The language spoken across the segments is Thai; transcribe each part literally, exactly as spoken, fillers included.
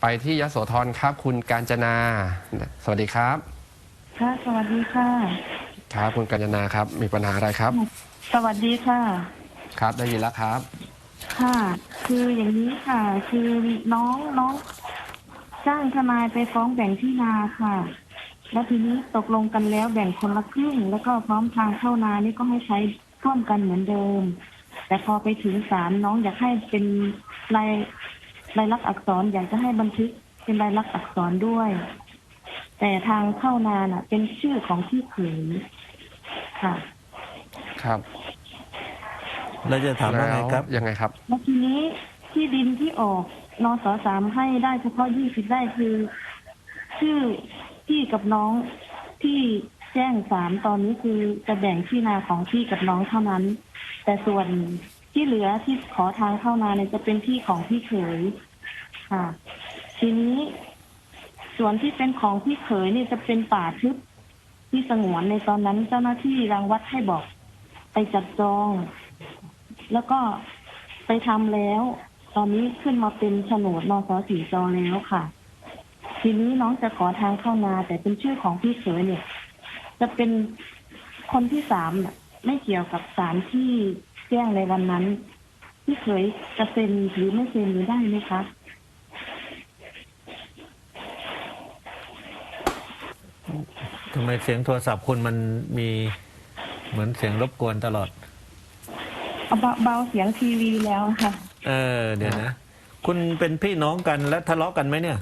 ไปที่ยโสธรครับคุณกาญจนาสวัสดีครับค่ะสวัสดีค่ะครับคุณกาญจนาครับมีปัญหาอะไรครับสวัสดีค่ะครับได้ยินแล้วครับค่ะคืออย่างนี้ค่ะคือน้องน้องจ้างทนายไปฟ้องแบ่งที่นาค่ะแล้วทีนี้ตกลงกันแล้วแบ่งคนละครึ่งแล้วก็พร้อมทางเข้านานี่ก็ให้ใช้ร่วมกันเหมือนเดิมแต่พอไปถึงศาลน้องอยากให้เป็นลายลายลักษณ์อักษรอยากจะให้บันทึกเป็นลายลักษณ์อักษรด้วยแต่ทางเข้านาน่ะเป็นชื่อของพี่เขยค่ะครับเราจะถามว่าไงครับยังไงครับแล้วทีนี้ที่ดินที่ออกนสสามให้ได้เฉพาะยี่สิบไร่คือชื่อพี่กับน้องที่แจ้งศาลตอนนี้คือจะแบ่งที่นาของพี่กับน้องเท่านั้นแต่ส่วนที่เหลือที่ขอทางเข้านาเนี่ยจะเป็นที่ของพี่เขยค่ะทีนี้ส่วนที่เป็นของพี่เขยเนี่ยจะเป็นป่าทึบที่สงวนในตอนนั้นเจ้าหน้าที่รังวัดให้บอกไปจัดจองแล้วก็ไปทำแล้วตอนนี้ขึ้นมาเป็นโฉนดนสสี่จอแล้วค่ะทีนี้น้องจะขอทางเข้านาแต่เป็นชื่อของพี่เขยเนี่ยจะเป็นคนที่สามไม่เกี่ยวกับศาลที่แจ้งในวันนั้นพี่เขยจะเซ็นหรือไม่เซ็นหรือได้ไหมคะทำไมเสียงโทรศัพท์คุณมันมีเหมือนเสียงรบกวนตลอดเบาเบาเสียงทีวีแล้วค่ะเออเดี๋ยวนะคุณเป็นพี่น้องกันและทะเลาะกันไหมเนี่ย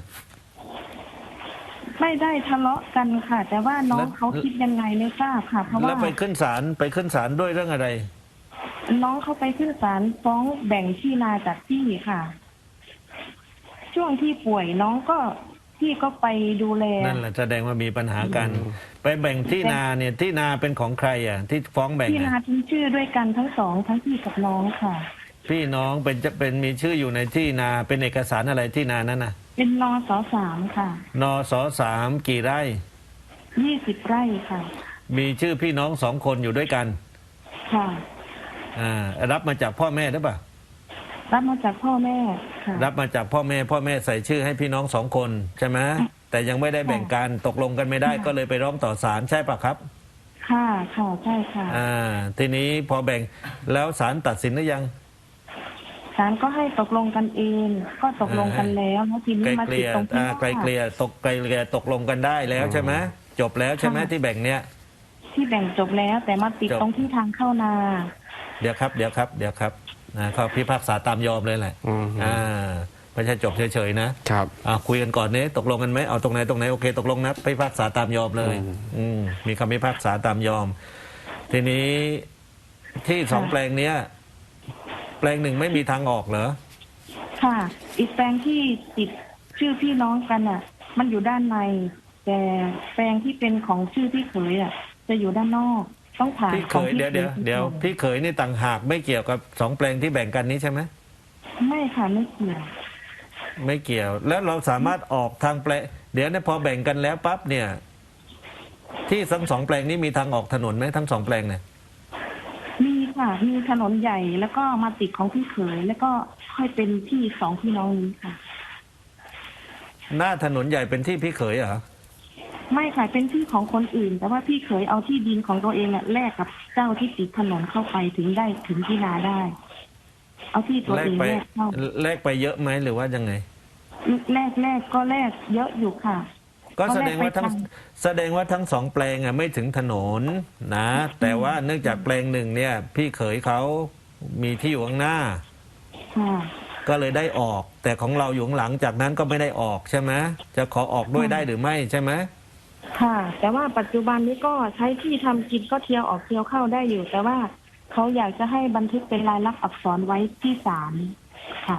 ไม่ได้ทะเลาะกันค่ะแต่ว่าน้องเขาคิดยังไงไม่ทราบค่ะเพราะว่าแล้วไปขึ้นศาลไปขึ้นศาลด้วยเรื่องอะไรน้องเขาไปขึ้นศาลฟ้องแบ่งที่นาจากพี่ค่ะช่วงที่ป่วยน้องก็พี่ก็ไปดูแลนั่นแหละแสดงว่ามีปัญหากันไปแบ่งที่นาเนี่ยที่นาเป็นของใครอ่ะที่ฟ้องแบ่งที่นาทั้งชื่อด้วยกันทั้งสองทั้งพี่กับน้องค่ะพี่น้องเป็นจะเป็นมีชื่ออยู่ในที่นาเป็นเอกสารอะไรที่นานั้นน่ะเป็นนสสามค่ะนสสามกี่ไร่ยี่สิบไร่ค่ะมีชื่อพี่น้องสองคนอยู่ด้วยกันค่ะอ่ารับมาจากพ่อแม่หรือเปล่ารับมาจากพ่อแม่ค่ะรับมาจากพ่อแม่พ่อแม่ใส่ชื่อให้พี่น้องสองคนใช่ไหมแต่ยังไม่ได้แบ่งกันตกลงกันไม่ได้ก็เลยไปร้องต่อศาลใช่ปะครับค่ะค่ะใช่ค่ะอ่าทีนี้พอแบ่งแล้วศาลตัดสินหรือยังศาลก็ให้ตกลงกันเองก็ตกลงกันแล้วแล้วทีนี้มาติดตรงที่ไกลเกลี่ยตกไกลเกลี่ยตกลงกันได้แล้วใช่ไหมจบแล้วใช่ไหมที่แบ่งเนี้ยที่แบ่งจบแล้วแต่มาติดตรงที่ทางเข้านาเดี๋ยวครับเดี๋ยวครับเดี๋ยวครับนะเขาพิพากษาตามยอมเลยแหละอ่าไม่ใช่จบเฉยๆนะครับอ่าคุยกันก่อนเนี่ยตกลงกันไหมเอาตรงไหนตรงไหนโอเคตกลงนะพิพากษาตามยอมเลยอืมมีคำพิพากษาตามยอมทีนี้ที่สองแปลงเนี้ยแปลงหนึ่งไม่มีทางออกเหรอค่ะอีกแปลงที่ติดชื่อพี่น้องกันอ่ะมันอยู่ด้านในแต่แปลงที่เป็นของชื่อพี่เขยอ่ะจะอยู่ด้านนอกต้องผ่านพี่เขยเดี๋ยวเดี๋ยวเดี๋ยวพี่เขยนี่ต่างหากไม่เกี่ยวกับสองแปลงที่แบ่งกันนี้ใช่ไหมไม่ค่ะไม่เกี่ยวไม่เกี่ยวแล้วเราสามารถออกทางแปลงเดี๋ยวเนี่ยพอแบ่งกันแล้วปั๊บเนี่ยที่ทั้งสองแปลงนี้มีทางออกถนนไหมทั้งสองแปลงเนี่ยมีค่ะมีถนนใหญ่แล้วก็มาติดของพี่เขยแล้วก็ค่อยเป็นที่สองพี่น้องนี้ค่ะหน้าถนนใหญ่เป็นที่พี่เขยเหรอไม่ค่ะเป็นที่ของคนอื่นแต่ว่าพี่เขยเอาที่ดินของตัวเองอ่ะแลกกับเจ้าที่ติดถนนเข้าไปถึงได้ถึงที่นาได้เอาที่ตัวเองแลกเข้าแลกไปเยอะไหมหรือว่ายังไงแลกแลกก็แลกเยอะอยู่ค่ะก็แสดงว่าทั้งแสดงว่าทั้งสองแปลงอ่ะไม่ถึงถนนนะแต่ว่าเนื่องจากแปลงหนึ่งเนี่ยพี่เขยเขามีที่อยู่ข้างหน้าก็เลยได้ออกแต่ของเราอยู่หลังจากนั้นก็ไม่ได้ออกใช่ไหมจะขอออกด้วยได้หรือไม่ใช่ไหมค่ะแต่ว่าปัจจุบันนี้ก็ใช้ที่ทำกินก็เที่ยวออกเที่ยวเข้าได้อยู่แต่ว่าเขาอยากจะให้บันทึกเป็นลายลักษณ์อักษรไว้ที่ศาลค่ะ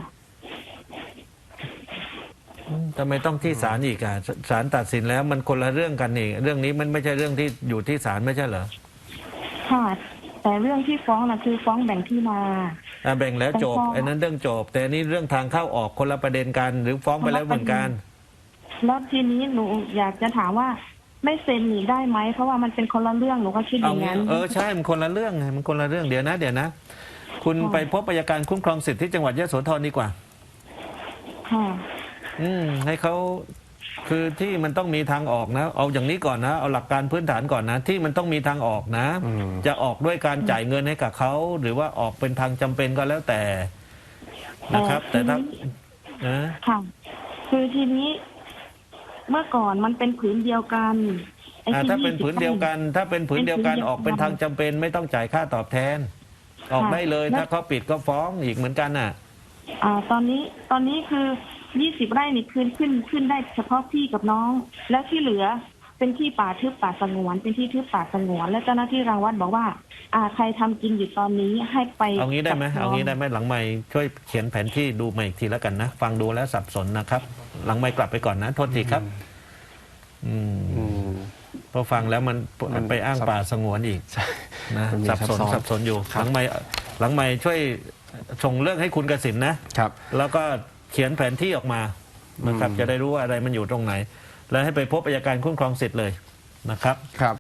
ทำไมต้องที่ศาลอีกอ่ะศาลตัดสินแล้วมันคนละเรื่องกันนี่เรื่องนี้มันไม่ใช่เรื่องที่อยู่ที่ศาลไม่ใช่เหรอค่ะแต่เรื่องที่ฟ้องน่ะคือฟ้องแบ่งที่นาแบ่งแล้วจบไอ้นั้นเรื่องจบแต่นี่เรื่องทางเข้าออกคนละประเด็นกันหรือฟ้องไปแล้วเหมือนกันแล้วทีนี้หนูอยากจะถามว่าไม่เซ็นหนีได้ไหมเพราะว่ามันเป็นคนละเรื่องหนูก็คิดอย่างนั้นเออใช่มันคนละเรื่องไงมันคนละเรื่องเดี๋ยวนะเดี๋ยวนะคุณไปพบอัยการคุ้มครองสิทธิที่จังหวัดยโสธรดีกว่าค่ะอืมให้เขาคือที่มันต้องมีทางออกนะ เอาอย่างนี้ก่อนนะ เอาหลักการพื้นฐานก่อนนะ ที่มันต้องมีทางออกนะอืมจะออกด้วยการจ่ายเงินให้กับเขาหรือว่าออกเป็นทางจำเป็นก็แล้วแต่นะครับ แต่ถ้านะค่ะ คือทีนี้ เมื่อก่อนมันเป็นผืนเดียวกันไอ้อ่าที่ถ้าเป็นยี่สิบผืนเดียวกัน ถ้าเป็นผืนเดียวกันเป็นผืนเดียวกันออกเป็นทางจำเป็น ไม่ต้องจ่ายค่าตอบแทน ออกได้เลยแล้วถ้าเขาปิดก็ฟ้องอีกเหมือนกันน่ะอ่า ตอนนี้ตอนนี้คือยี่สิบไร่นี่คืนขึ้นขึ้นได้เฉพาะพี่กับน้อง แล้วที่เหลือเป็นที่ป่าทึบป่าสงวน เป็นที่ทึบป่าสงวน และเจ้าหน้าที่รังวัดบอกว่า อ่าใครทำกินอยู่ตอนนี้ให้ไปเอางี้ได้ไหมจับเอางี้น้ได้ไหมหลังไม่ช่วยเขียนแผนที่ดูมาอีกทีแล้วกันนะ ฟังดูแล้วสับสนนะครับ หลังไม่กลับไปก่อนนะ โทษทีครับ อืมอืมพอฟังแล้วมันมันไปอ้างซับป่าสงวนอีกนะมันมีสับสนซับซ้อนสับสนอยู่ครัหบลังไม่หลังไม่ช่วยส่งเรื่องให้คุณกสินนะครับแล้วก็เขียนแผนที่ออกมานะครับอืมจะได้รู้ว่าอะไรมันอยู่ตรงไหน แล้วให้ไปพบอัยการคุ้มครองสิทธิ์เลยนะครับครับ